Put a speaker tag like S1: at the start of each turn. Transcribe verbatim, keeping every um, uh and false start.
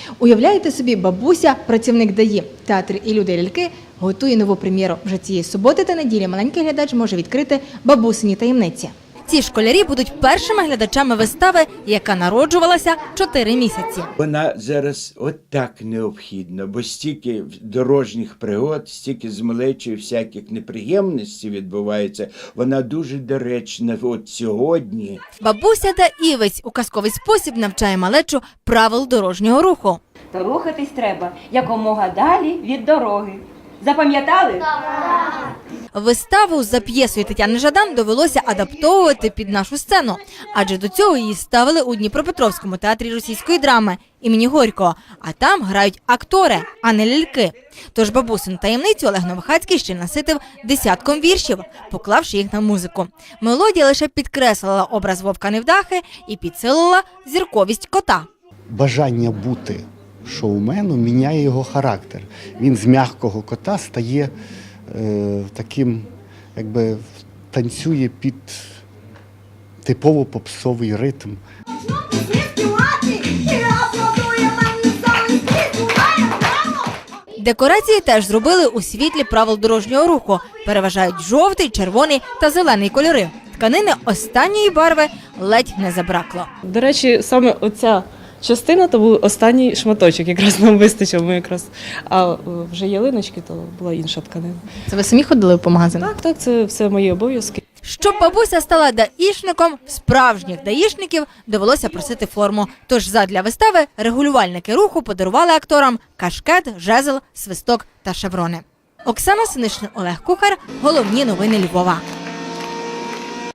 S1: Уявляєте собі, бабуся, працівник ДАІ, театр і люди ляльки готує нову прем'єру. Вже цієї суботи та неділі маленький глядач може відкрити бабусині таємниці. Ці школярі будуть першими глядачами вистави, яка народжувалася чотири місяці.
S2: Вона зараз от так необхідна, бо стільки дорожніх пригод, стільки з малечою всяких неприємностей відбувається. Вона дуже доречна от сьогодні.
S1: Бабуся та Івець у казковий спосіб навчає малечу правил дорожнього руху.
S3: То рухатись треба якомога далі від дороги. Запам'ятали? Так.
S1: Виставу за п'єсою Тетяни Жадан довелося адаптовувати під нашу сцену, адже до цього її ставили у Дніпропетровському театрі російської драми імені Горького, а там грають актори, а не ляльки. Тож бабусину таємницю Олег Новохацький ще наситив десятком віршів, поклавши їх на музику. Мелодія лише підкреслила образ Вовка-невдахи і підсилила зірковість кота.
S4: Бажання бути шоуменом міняє його характер. Він з м'якого кота стає е, таким, якби танцює під типово попсовий ритм.
S1: Декорації теж зробили у світлі правил дорожнього руху. Переважають жовтий, червоний та зелений кольори. Тканини останньої барви ледь не забракло.
S5: До речі, саме оця частина, то був останній шматочок, якраз нам вистачив. Ми якраз, а вже ялиночки, то була інша тканина.
S1: Це ви самі ходили по магазинах?
S5: Так, так, це все мої обов'язки.
S1: Щоб бабуся стала даїшником, справжніх даїшників довелося просити форму. Тож задля вистави регулювальники руху подарували акторам кашкет, жезл, свисток та шеврони. Оксана Синишин, Олег Кухар. Головні новини Львова.